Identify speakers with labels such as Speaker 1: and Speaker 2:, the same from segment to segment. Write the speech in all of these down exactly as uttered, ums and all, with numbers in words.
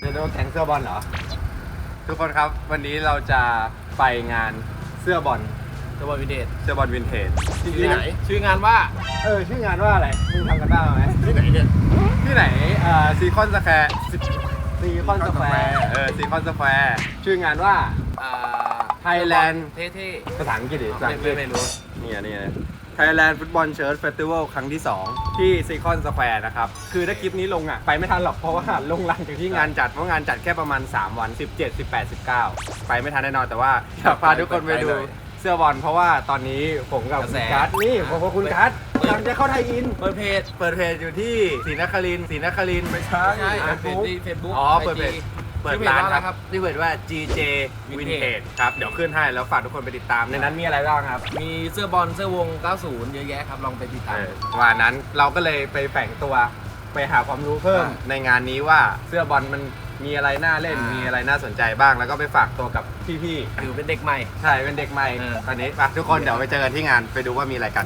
Speaker 1: เรียกว่าแข่งเสื้อบอลเหรอทุกคนครับวันนี้เราจะไปงานเสื้อบอล
Speaker 2: เสื้อบอลวินเทจ
Speaker 1: เสื้อบอลวินเทจ
Speaker 2: ที่ไหนชื่องานว่า
Speaker 1: เออชื่องานว่าอะไรมึงทำกันบ้างไหม
Speaker 2: ที่ไหนเนี่ย
Speaker 1: ที่ไหนเอ่อซีคอนสแควร์ซีคอนสแควร์เออซีคอนสแควร์ชื่องานว่า
Speaker 2: อ่า
Speaker 1: ไทยแลนด์
Speaker 2: เท่
Speaker 1: ภาษาอังกฤษดิภาษาอังกฤษ
Speaker 2: ไม่รู้
Speaker 1: นี่นี่ไทยแลนด์ฟุตบอลเชิร์ตเฟสติวัลครั้งที่สองที่ซีคอนสแควร์นะครับคือถ้าคลิปนี้ลงอ่ะไปไม่ทันหรอกเพราะว่าลงหลังจากที่งานจัดเพราะงานจัดแค่ประมาณสามวันสิบเจ็ด สิบแปด สิบเก้าไปไม่ทันแน่นอนแต่ว่าอยากพาทุกคนไปดูเสื้อบอลเพราะว่าตอนนี้ผมกับคุณกัสนี่ผมกับคุณกัสกำลังจะเข้าไทยอิน
Speaker 2: เปิดเพจ
Speaker 1: เปิดเพจอยู่ที่ศรีนครินทร์ศรีนครินทร์ไม่ใช่
Speaker 2: ใช่เฟซบุ๊กเฟซบุ๊ก
Speaker 1: อ๋อเปิดเพจเปิดร้านครับที่เปิดว่า จี เจ Vintage ครับเดี๋ยวขึ้นให้แล้วฝากทุกคนไปติดตามในนั้นมีอะไรบ้างครับ
Speaker 2: มีเสื้อบอลเสื้อวงเก้าสิบเยอะแยะครับลองไปติดตาม
Speaker 1: วันนั้นเราก็เลยไปแฝงตัวไปหาความรู้เพิ่มในงานนี้ว่าเสื้อบอลมันมีอะไรน่าเล่นมีอะไรน่าสนใจบ้างแล้วก็ไปฝากตัวกับพี่
Speaker 2: ๆถือเป็นเด็กใหม่
Speaker 1: ใช่เป็นเด็กใหม่ตอนนี้ไปทุกคนเดี๋ยวไปเจอกันที่งานไปดูว่ามีอะไรกัน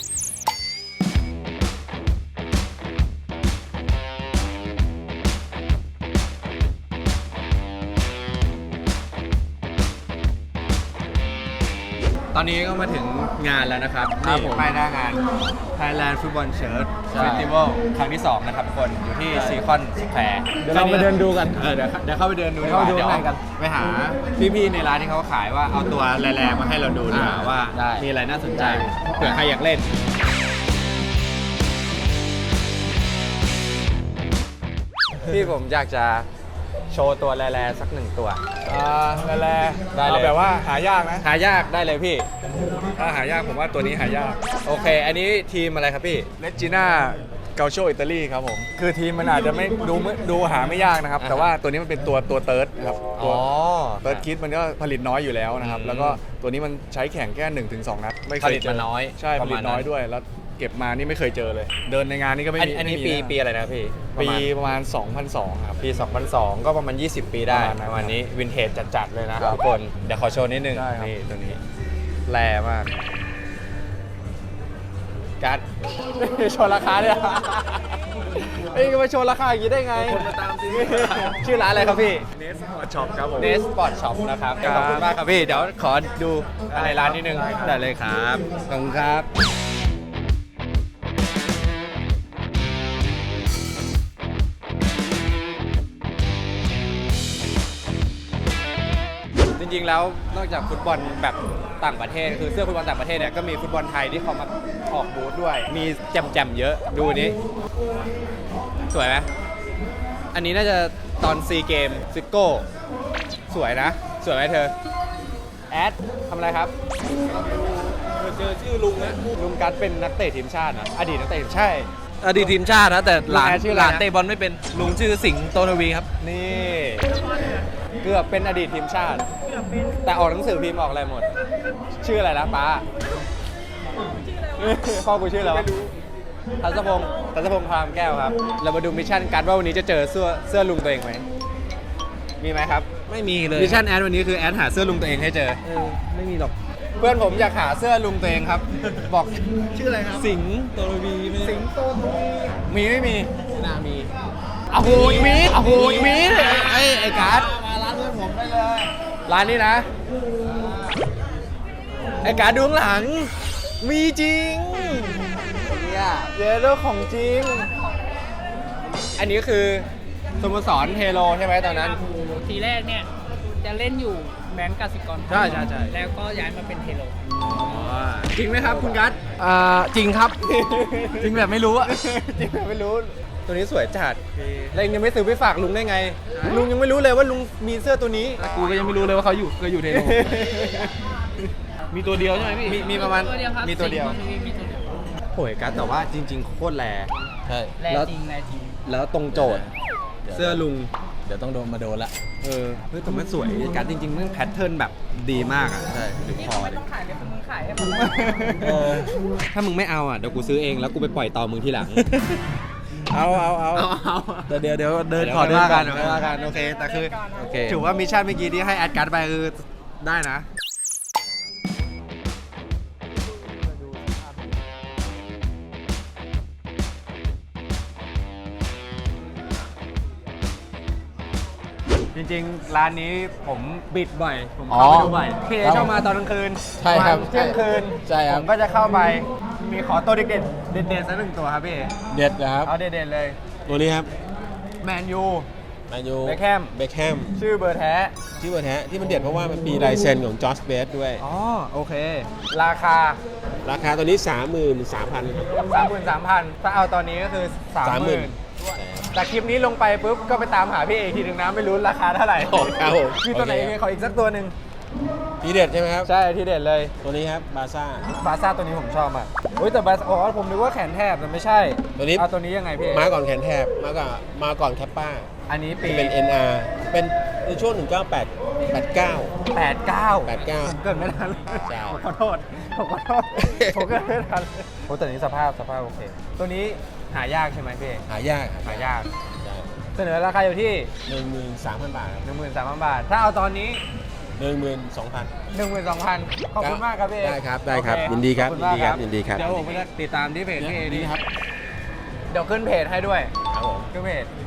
Speaker 1: ตอนนี้ก็มาถึงงานแล้วนะครับนี่ไปหน้างาน Thailand Football Shirt Festival ครั้งที่สองนะครับทุกคนอยู่ที่ซีคอนสแควร์
Speaker 2: เดี๋ยวเราไปเดินดูกัน
Speaker 1: เออเดี๋ยวเดี๋ยวเข้าไปเดินดูดีกว่าเดี๋ยวไปหาพี่ๆในร้านที่เขาขายว่าเอาตัวแรงๆมาให้เราดูดีกว่าว่ามีอะไรน่าสนใจเผื่อใครอยากเล่นพี่ผมอยากจะโชว์ตัวแร่ๆสักหนึ่งตัว
Speaker 3: อ่าแร่ๆเอาแบบว่าหายากนะ
Speaker 1: หายากได้เลยพี่
Speaker 3: ถ้าหายากผมว่าตัวนี้หายาก
Speaker 1: โอเคอันนี้ทีมอะไรครับพี่
Speaker 3: เลจิน่าเกาโชอิตาลีครับผมคือทีมมันอาจจะไม่ดูดูหาไม่ยากนะครับแต่ว่าตัวนี้มันเป็นตัวตัวเติร์ดครับตัวเติร์ดคิดมันก็ผลิตน้อยอยู่แล้วนะครับแล้วก็ตัวนี้มันใช้แข่งแค่หนึ่งถึงสองนัด
Speaker 1: ไม่เคยเจอน้อย
Speaker 3: ใช่ผลิตน้อยด้วยแล้วเก็บมานี่ไม่เคยเจอเลยเดินในงานนี่ก็ไม่มี
Speaker 1: อันนี้ปีปีอะไรนะพี่
Speaker 3: ปีประมาณสองพันสองครับ
Speaker 1: ปีสองพันสองก็ประมาณยี่สิบปีได้ประมาณนี้วินเทจจัดๆเลยนะทุกคนเดี๋ยวขอโชว์นิดนึงนี่ตัวนี้แร่มากกัดโชว์ราคาเนี่ยเอ้ยมาโชว์ราคาอย่างนี้ได้ไง
Speaker 2: คนมาตามซิ
Speaker 1: ชื่อร้านอะไรครับพี่
Speaker 3: เนสปอร์ตช็อปครับผม
Speaker 1: เนสปอร์ตช็อปนะครับขอบคุณมากครับพี่เดี๋ยวขอดูอะไรร้านนิดนึงได้เลยครับขอบคุณครับจริงๆแล้วนอกจากฟุตบอลแบบต่างประเทศคือเสื้อฟุตบอลต่างประเทศเนี่ยก็มีฟุตบอลไทยที่เขามาออกบูธด้วยมีแจ่มๆเยอะดูนี้สวยไหมอันนี้น่าจะตอนซีเกมซิโก้สวยนะสวยไหมเธอแอดทำอะไรครับ
Speaker 2: เจอชื่อลุงนะ
Speaker 1: ลุงกัสเป็นนักเตะทีมชาตินะอดีตนักเตะทีมชาติ
Speaker 2: อดีตทีมชาตินะแต่หลานชื่อหลานเตะบอลไม่เป็นลุงชื่อสิงห์โตทวีครับ
Speaker 1: นี่เกือบเป็นอดีตทีมชาติแต่ออกหนังสือพิมพ์ออกอะไรหมดชื่ออะไรนะป้าพ่อกูชื่ออะไรวะทัศพงศ์ทัศพงศ์พรามแก้วครับเรามาดูมิชชั่นกันว่าวันนี้จะเจอเสื้อเสื้อลุงตัวเองไหมมีไหมครับ
Speaker 2: ไม่มีเลย
Speaker 1: มิชชั่นแอดวันนี้คือแอดหาเสื้อลุงตัวเองให้เจอ
Speaker 2: เออไม่มีหรอก
Speaker 1: เพื่อนผมอยากหาเสื้อลุงตัวเองครับบอก
Speaker 2: ชื่ออะไรครับ
Speaker 1: สิงห์
Speaker 2: โตทวี
Speaker 1: สิงห์โตทวีมีไม่มี
Speaker 2: ไม่น่ามี
Speaker 1: อ้าวโหมีอ้าวโหมีไอ้ไอ้การ์ด
Speaker 2: มาร้านเพื่อนผมได้เลย
Speaker 1: ร้านนี้นะไอ้การ์ดดูข้างหลังมีจริง
Speaker 2: เนี่ย
Speaker 1: เยอะด้วยของจริงอันนี้คือสโมสรเทโลใช่ไหมตอนนั้น
Speaker 4: ทีแรกเนี่ยจะเล่นอยู่แบงก์กสิกร
Speaker 1: ใช่ใช่ใช่
Speaker 4: แล้วก็ย้ายมาเป็นเทโล
Speaker 1: จริงไหมครับคุณกัส
Speaker 2: อ่าจริงครับ จริงแบบไม่รู้อะ
Speaker 1: จริงแบบไม่รู้ตัวนี้สวยจัดแล้วยังไม่ซื้อไปฝากลุงได้ไงลุงยังไม่รู้เลยว่าลุงมีเสื้อตัวนี้
Speaker 2: กูก็ยังไม่รู้เลยว่าเขาอยู่เคยอยู่เทโลมีตัวเดียวใช่ไหมพี่
Speaker 1: มีมีประมาณมีตัวเดียวโหยกัสแต่ว่าจริงๆโคตรแรง
Speaker 2: ใช่
Speaker 4: แรงจริงแรงจริง
Speaker 1: แล้วตรงโจทย์เสื้อลุง
Speaker 2: เดี๋ยวต้องโดนมาโดนละ
Speaker 1: เออเฮ้ยแต่มันสวยกัสจริงๆมันแพทเทิร์นแบบดีมากอ่ะ
Speaker 2: ใช่
Speaker 1: ดูคอดิ
Speaker 4: ต้องขายเลยมึงขายให้ผม
Speaker 1: ถ้ามึงไม่เอาอ่ะเดี๋ยวกูซื้อเองแล้วกูไปปล่อยต่อมึงทีหลัง
Speaker 3: เอาเอาเอา
Speaker 2: เดี๋ยวเดี๋ยวเดิน
Speaker 1: ขอ
Speaker 2: เดิน
Speaker 1: กันเดินกันโอเคแต่คือถือว่ามิชชั่นเมื่อกี้ที่ให้แอดการ์ดไปคือได้นะจริงๆ ร้านนี้ผมบิดบ่อย ผม
Speaker 3: อ๋อ
Speaker 1: เข้าไปดูบ่อยพี่เอ
Speaker 3: ครับ
Speaker 1: ชอบมาตอนกลางคืน
Speaker 3: ใช่ครับ
Speaker 1: ประมาณเที่ยงคืน
Speaker 3: ใช่ครับ
Speaker 1: ผมก็จะเข้าไป มีขอตัวเด็ดๆเด็ดๆสักหนึ่งตัวครับพี่เอ
Speaker 3: เด็ดนะครับ
Speaker 1: เอาเด็ดๆเลย
Speaker 5: ตัวนี้ครับ
Speaker 1: แมนยู
Speaker 5: แมนยู
Speaker 1: เบคแฮม
Speaker 5: เบคแฮม
Speaker 1: ชื่อเบอร์แท้
Speaker 5: ที่วันแท้ที่มันเด็ดเพราะว่ามันมีลายเซ็นของจอร์จเบสด้วย
Speaker 1: อ๋อ โอเค ราคา
Speaker 5: ราคาตัวนี้ สามหมื่นสามพัน
Speaker 1: สามหมื่นสามพันถ้าเอาตอนนี้ก็คือ สามหมื่น แต่คลิปนี้ลงไปปุ๊บ ก็ไปตามหาพี่เอทีหนึ่งนะไม่รู้ราคาเท่าไหร่
Speaker 5: ครับผม
Speaker 1: คือตัวไหน
Speaker 5: โอเค
Speaker 1: เอขออีกสักตัวหนึ่ง
Speaker 5: ทีเด็ดใช่ไหมครับ
Speaker 1: ใช่ที่เด็ดเลย
Speaker 5: ตัวนี้ครับบาซ่า
Speaker 1: บาซ่าตัวนี้ผมชอบมากโอ้ยแต่บาซ่าอ๋อผมนึกว่าแขนแทบแต่ไม่ใช่
Speaker 5: ตัวนี้
Speaker 1: เอาตัวนี้ยังไงพี่เอ
Speaker 5: มาก่อนแขนแทบมาก่อนมาก่อนแคปป้า
Speaker 1: อันนี้ปี
Speaker 5: เป็น เอ็น อาร์ เป็นในช่วงหนึ่งเก้าแปด แปดเก้า
Speaker 1: แปดเก้า
Speaker 5: แปดเก้า
Speaker 1: ผมเกิดไม่ทัน
Speaker 5: ใช่
Speaker 1: ผมขอโทษผมขอโทษผมเกิดไม่ทันโอ้แต่นี้สภาพสภาพโอเค ตัวนี้หายากใช่ไหมพี่เอ
Speaker 5: หายาก
Speaker 1: หายาก
Speaker 5: ใช่
Speaker 1: เสนอราคาอยู่ที่
Speaker 5: หนึ่งหมื่นสามพันบาทครับ
Speaker 1: หนึ่งหมื่นสามพันบาท ถ้าเอาตอนนี้
Speaker 5: หนึ่งหมื่นสองพัน
Speaker 1: หนึ่งหมื่นสองพันขอบคุณมากครับพี่เอ
Speaker 5: ได้ครับได้ครับ
Speaker 1: โอเ
Speaker 5: ยินดีครับ
Speaker 1: ขอณมาก
Speaker 5: ยินดีครับ
Speaker 1: เดี๋ยวผมจะติดตามที่เพจพี่เอ
Speaker 5: นี่ครับ
Speaker 1: เดี๋ยวขึ้นเพจให้ด้วย
Speaker 5: ครับผม
Speaker 1: ขึ้นเพจ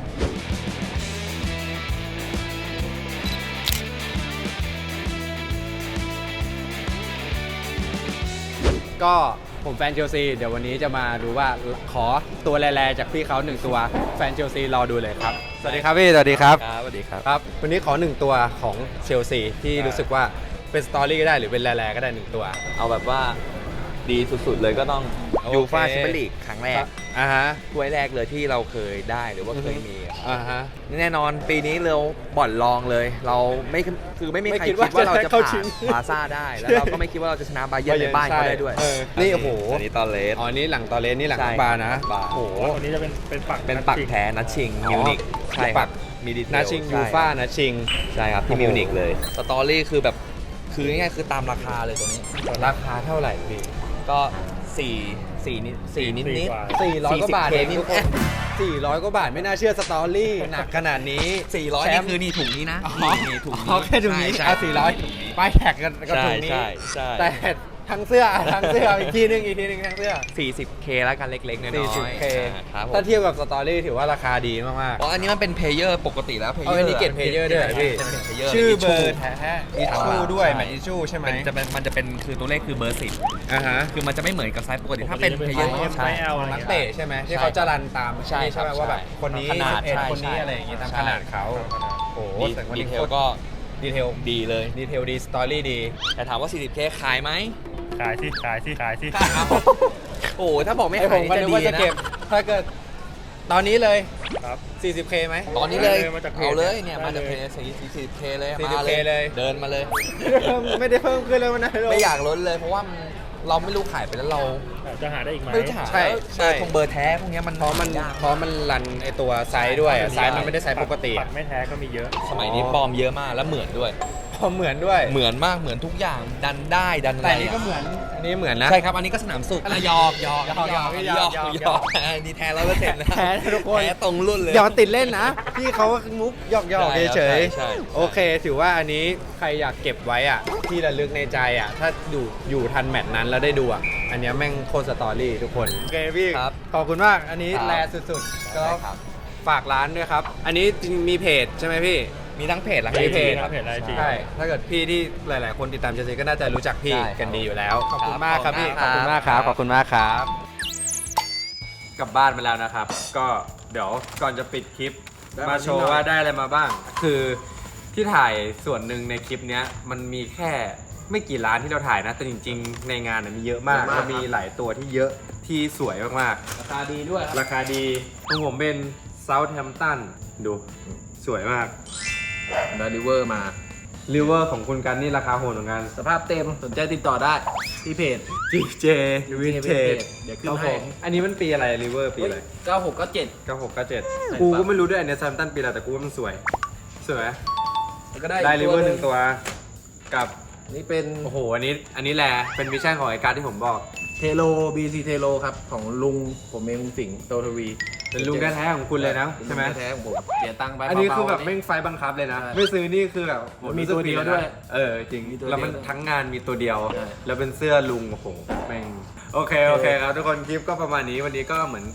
Speaker 1: ก็ผมแฟนเชลซี เดี๋ยววันนี้จะมาดูว่าขอตัวแร่ๆจากพี่เขาหนึ่งตัวแฟนเชลซีรอดูเลยครับ สวัสดีครับพี่ สวัสดีครับ
Speaker 2: ครับสวัสดีครับ
Speaker 1: ครับ วันนี้ขอหนึ่งตัวของเชลซีที่รู้สึกว่าเป็นสตอรี่ก็ได้หรือเป็นแร่ๆก็ได้หนึ่งตัว
Speaker 2: เอาแบบว่าดีสุดๆเลยก็ต้อง
Speaker 1: โอเค
Speaker 2: ยูฟ่าแชมเปี้ยนลีกครั้งแรก
Speaker 1: อ่าฮะ
Speaker 2: ถ้วยแรกเลยที่เราเคยได้หรือว่าเคยมีอะ
Speaker 1: อ่าฮะ
Speaker 2: แน่นอนปีนี้เราบ่อนรองเลย เราไม่คือไม่มี
Speaker 1: ไม่
Speaker 2: ใคร
Speaker 1: คิ
Speaker 2: คิ
Speaker 1: ด
Speaker 2: ด
Speaker 1: ว่า
Speaker 2: ว่าเรา
Speaker 1: จะ
Speaker 2: จะ
Speaker 1: เข้า
Speaker 2: ผ่า
Speaker 1: ชิ
Speaker 2: น
Speaker 1: ง
Speaker 2: บาร์ซ่าได้ แล้วเราก็ไม่คิดว่าเราจะชนะบาเยิร์นในบ้านเขาได้ด้วย
Speaker 1: เออนี่โอ้โห
Speaker 2: อันนี้ตอนเลส
Speaker 1: อ๋อ นี่หลังตอเลนนี่หลัง
Speaker 2: ใช่
Speaker 1: บาร์นะ
Speaker 2: บาร์
Speaker 1: โอ้โห
Speaker 6: ตัวนี้จะเป็นเป็นปัก
Speaker 2: เป็นปักแท้นัดชิง
Speaker 1: อ๋อ
Speaker 2: มิวนิกใช่ค
Speaker 1: ปั
Speaker 2: รับ
Speaker 1: ก
Speaker 2: มีดีเทล
Speaker 1: นาชิง
Speaker 2: ใช่
Speaker 1: ยูฟ่านะชิง
Speaker 2: ใช่ครับ
Speaker 1: โอ้
Speaker 2: ที่
Speaker 1: โห
Speaker 2: มิวนิกเลยสตอรี่คือแบบคือง่ายๆคือตามราคาเลยตัวนี้
Speaker 1: ราคาเท่าไหร่พี่
Speaker 2: ก็สี่สี่นิดสี่นิดนิด
Speaker 1: สี่ร้อยกว่าบาท
Speaker 2: เค
Speaker 1: เอง
Speaker 2: นิด
Speaker 1: ทุกคนสี่ร้อยกว่าบาทไม่น่าเชื่อสตอรี่หนักขนาดนี้
Speaker 2: สี่ร้อย
Speaker 1: แช
Speaker 2: นี่
Speaker 1: มป์
Speaker 2: คือนี่ถุงนี้นะ
Speaker 1: อ๋อ
Speaker 2: นี่ถุงนี้
Speaker 1: อ๋อแค่ถุงนี้
Speaker 2: ใช่
Speaker 1: เอาสี่ร้อยป้ายแท็กกันก็
Speaker 2: ใช่
Speaker 1: ถุงนี้
Speaker 2: ใช่ใช่
Speaker 1: แต่ทั้งเสื้อทั้งเสื้ออีกทีนึงอีกทีนึงทั้งเสื้อ
Speaker 2: สี่สิบเคแล้วกันเล็กๆน้อยๆ
Speaker 1: สี่สิบเค
Speaker 2: อ่าครับผม
Speaker 1: ถ้าเทียบกับสตอรี่ถือว่าราคาดีมาก
Speaker 2: เพราะอันนี้มันเป็นเพลเยอร์ปกติแล้วเพล
Speaker 1: ๆ
Speaker 2: เย
Speaker 1: เอา
Speaker 2: อร์
Speaker 1: อันนี้เกตเพลเยอร์ด้วยเหรอพี่
Speaker 2: จะเป็นเพลเยอร์
Speaker 1: ชื่อ
Speaker 2: มี
Speaker 1: เบอร์แท้อิชชูด้วยแมทอิชชูใช่ไหม
Speaker 2: มันจะเป็นมันจะเป็นคือตัวเลขคือเบอร์สิบ
Speaker 1: อ่าฮะ
Speaker 2: คือมันจะไม่เหมือนกับไซส์ปกติถ้าเป็นเพลเยอร์
Speaker 6: ใช่
Speaker 2: ใช่
Speaker 1: นักเตะใช่ไหมที่เขาจะรันตาม
Speaker 2: ใช่
Speaker 1: นี่ใช่ไหม
Speaker 2: ครับ
Speaker 1: ว่าแบบ
Speaker 2: ใช่
Speaker 1: คนนี้
Speaker 2: ขนาด
Speaker 1: เอ็ด
Speaker 2: ใช่
Speaker 1: คนนี้
Speaker 2: ใช่
Speaker 1: อะไรอย่างงี้ตาม
Speaker 2: ใช่
Speaker 1: ขนาดเขาโอ้โห
Speaker 2: ดี
Speaker 1: แต่วัน
Speaker 2: ดี
Speaker 1: นี้
Speaker 2: เทลก็
Speaker 1: ดีเทล
Speaker 2: ดีเลย
Speaker 1: ดีเทลดีสตอรี่ดี
Speaker 2: แต่ถามว่า สี่สิบเค ขายไหม
Speaker 6: ขายที่ขายที่ขายที่
Speaker 2: โอ้โหถ้าบอกไม่
Speaker 1: ไอผ
Speaker 2: ขาย
Speaker 1: ม
Speaker 2: นี่
Speaker 1: ก็
Speaker 2: จะ
Speaker 1: นึก
Speaker 2: ดี
Speaker 1: ว่าจะ
Speaker 2: นะ
Speaker 1: เก็บถ้าเกิดตอนนี้เลย
Speaker 6: ครับ
Speaker 1: สี่สิบเค ไหม
Speaker 2: ตอนนี้เลย
Speaker 6: มาจากเพจ
Speaker 2: เอาเลยเนี่ย
Speaker 6: ได้
Speaker 2: มาจาก
Speaker 6: เลย
Speaker 2: เพจสี่สิบเคเลย
Speaker 1: สี่สิบ
Speaker 2: มา
Speaker 1: เคเลย
Speaker 2: เดินมาเลย
Speaker 1: ไม่ได้เพิ่มขึ้นเลยวันนั้น
Speaker 2: ไม่อยากลดเลยเพราะว่ามันเราไม่รู้ขายไปแล้วเรา
Speaker 6: จะหาได้อีกไหม
Speaker 2: ไม่รู้จะหา
Speaker 1: ใช่
Speaker 2: แล้ว
Speaker 1: ใช่
Speaker 2: เบอร์ทงเบอร์แท้พวกเนี้ยมัน
Speaker 1: เพราะมัน
Speaker 2: ยาก
Speaker 1: เพราะมันรันไอตัวไซส์ด้วยอะ
Speaker 2: ใช่
Speaker 1: ไซส์มันไม่ได้ไซส์ปกติ
Speaker 6: ปักไม่แท้ก็มีเยอะ
Speaker 2: สมัยนี้ปลอมเยอะมากแล้วเหมือนด้วย
Speaker 1: พอเหมือนด้วย
Speaker 2: เหมือนมากเหมือนทุกอย่างดันได้ดันอะไร
Speaker 1: แต่อันนี้ก็เหมือนอันนี้เหมือนนะ
Speaker 2: ใช่ครับอันนี้ก็สนามสุขอ่ะหยอกหยอก
Speaker 1: หยอกหยอก
Speaker 2: ห
Speaker 1: ห
Speaker 2: ย
Speaker 1: ย
Speaker 2: อ
Speaker 1: อก ก
Speaker 2: ห
Speaker 1: ห
Speaker 2: ย
Speaker 1: ย
Speaker 2: อ
Speaker 1: อก ก
Speaker 2: ดีแท้ร้อยเปอร์เซ็นต์นะ
Speaker 1: แท้นะทุกคน
Speaker 2: แท้ตรงรุ่นเลย
Speaker 1: อย่ามาติดเล่นนะ พี่เขาก็มุกหยอกหยอก
Speaker 2: ใช่
Speaker 1: เฉย
Speaker 2: ใช่ใช่
Speaker 1: ๆโอเค ถือว่าอันนี้ใครอยากเก็บไว้อ่ะที่ระลึกในใจอ่ะถ้าอยู่อยู่ทันแมตช์นั้นแล้วได้ดูอ่ะอันเนี้ยแม่งโคตรสตอรี่ทุกคนโอเคพี่
Speaker 2: ครับ
Speaker 1: ขอบคุณมากอันนี้
Speaker 2: ครับ
Speaker 1: แลสุดๆก็
Speaker 2: ได้ครับ
Speaker 1: ฝากร้านด้วยครับ อันนี้จริงมีเพจใช่ไหมพี่
Speaker 2: มีทั้งเพจและ
Speaker 1: มีเพจ
Speaker 6: ครับเพจไอจี
Speaker 1: ใช่ ถ้าเกิดพี่ที่หลาย ๆ คนติดตามเชลซีก็น่าจะรู้จักพี่
Speaker 2: ใช่ครับ
Speaker 1: กันดีอยู่แล้ว ขอบคุณ
Speaker 2: ครับ
Speaker 1: มากครับพี่ ข
Speaker 2: ข
Speaker 1: อ
Speaker 2: อ
Speaker 1: บบ
Speaker 2: คุ
Speaker 1: คุณ
Speaker 2: ณ
Speaker 1: มาม
Speaker 2: าก ก
Speaker 1: ค
Speaker 2: ครั
Speaker 1: รับ
Speaker 2: บ
Speaker 1: ขอบคุณมากครับ กลับบ้านไปแล้วนะครับ ก็เดี๋ยวก่อนจะปิดคลิป มาโชว์ว่าได้อะไรมาบ้าง คือที่ถ่ายส่วนหนึ่งในคลิปเนี้ยมันมีแค่ไม่กี่ร้านที่เราถ่ายนะ แต่จริง ๆ ในงานน่ะมีเยอะมาก
Speaker 2: เยอะมาก
Speaker 1: แล้วมีหลายตัวที่เยอะที่สวยมาก
Speaker 2: ราคาดีด้วย
Speaker 1: ๆ ราคาดีของผมเป็นเซาท์แฮมป์ตันดูสวยมาก
Speaker 2: ได้ริเวอร์มา
Speaker 1: ริเวอร์ของคุณกันนี่ราคาโหดเหมือนกัน
Speaker 2: สภาพเต็มสนใจติดต่อได้ที่เพจ
Speaker 1: จีเจวินเทจ
Speaker 2: เดี๋ยวขึ้น
Speaker 1: ครับ
Speaker 2: ให้
Speaker 1: ผมอันนี้มันปีอะไรริเวอร์ปีอะไร
Speaker 2: เก้าหกเก้าเจ็ด
Speaker 1: เก้าหกเก้าเจ็ด
Speaker 2: ใช่
Speaker 1: กู
Speaker 2: ปะ
Speaker 1: ก็ไม่รู้ด้วยอันเนี้ยแซมตันปีอะไรแต่กูว่ามันสวย สวยไหม
Speaker 2: แล้วก็ได้
Speaker 1: ได้
Speaker 2: อีก
Speaker 1: ริเวอร์ห
Speaker 2: ตั
Speaker 1: นึ่งตัว กับ
Speaker 2: นี่เป็น
Speaker 1: โอ้โห อันนี้ อันนี้แหละเป็นมิชชั่นของไอการดที่ผมบอก
Speaker 2: เทโล บี ซี เทโลครับ ของลุงผมเองลุงสิงห์โตทวี
Speaker 1: เป็นลุงแท้ๆของคุณเลยนะใช่ไหม
Speaker 2: ลุงแท้ๆของผมเสียตังค์ไป
Speaker 1: อันนี้คือแบบ
Speaker 2: เบาๆ
Speaker 1: แม่งไฟบังคับเลยนะ
Speaker 2: ใช่
Speaker 1: ไม่ซื้อนี่คือแบบโห
Speaker 2: มี
Speaker 1: รู้สึก
Speaker 2: ตัวเดียว
Speaker 1: ผินะ
Speaker 2: ด้วย
Speaker 1: เออจริง
Speaker 2: มีตัว
Speaker 1: แล้วมัน
Speaker 2: เดียว
Speaker 1: ทั้งงานมีตัวเดียว
Speaker 2: ใช่
Speaker 1: แล้วเป็นเสื้อลุงโอ้โหแม่งโอเคโอเคครับทุกคนคลิปก็ประมาณนี้วันนี้ก็เหมือนท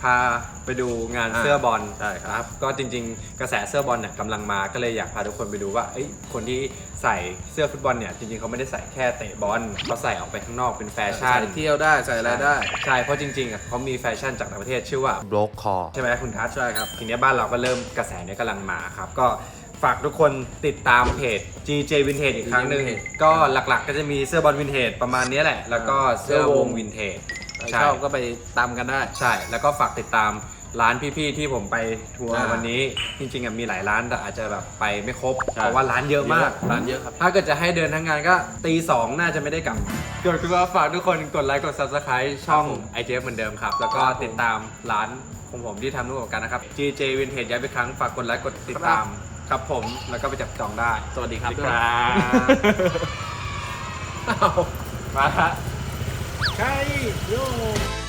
Speaker 1: าไปดูงาน
Speaker 5: อ่า
Speaker 1: เสื้อบอล
Speaker 5: ใช่ครับ
Speaker 1: ก็จริงๆ กระแสเสื้อบอลเนี่ยกำลังมาก็เลยอยากพาทุกคนไปดูว่าเอ้ยคนที่ใส่เสื้อฟุตบอลเนี่ยจริงๆเขาไม่ได้ใส่แค่เตะบอลเขาใส่ออกไปข้างนอกเป็นแฟชั่น
Speaker 2: ใส่เที่ยวได้ใส่อะไรได้
Speaker 1: ใช่เพราะจริงๆอ่ะเขามีแฟชั่นจากต่างประเทศชื่อว่า
Speaker 5: Block Call
Speaker 1: ใช่ไหมคุณทัศน์ใช่ครับทีนี้บ้านเราก็เริ่มกระแสเนี้ยกำลังมาครับก็ฝากทุกคนติดตามเพจ จี เจ Vintage อีกครั้งหนึ่ง
Speaker 2: Vintage
Speaker 1: ก็หลักๆก็จะมีเสื้อบอลวินเทจประมาณนี้แหละ แล้วก็เสื้อวงวินเทจ
Speaker 2: ใครชอบก็ไปตามกันได้
Speaker 1: ใช่แล้วก็ฝากติดตามร้านพี่ๆที่ผมไปทัวร์
Speaker 2: อ่า
Speaker 1: วันนี้จริงๆอ่ะมีหลายร้านแต่อาจจะแบบไปไม่ครบ
Speaker 2: ใช่
Speaker 1: เพราะว่าร้านเยอะมาก
Speaker 2: ร้านเยอะครับ
Speaker 1: ถ้าเกิดจะให้เดินทั้งงานก็ตีสองน่าจะไม่ได้กลับก็คือว่าฝากทุกคนกดไลค์กด Subscribe ช่อง ไอ เจ เอฟ เหมือนเดิมครับ แล้วก็ติดตามร้านของผมที่ทำร่วมกับกันนะครับ จี เจ Vintage ย้ำอีกครั้งฝากกดไลค์กดติดตามครับผมแล้วก็ไปจับจองได้
Speaker 2: สวัสดีครับ
Speaker 1: ครับมาฮะ
Speaker 6: ใช่โย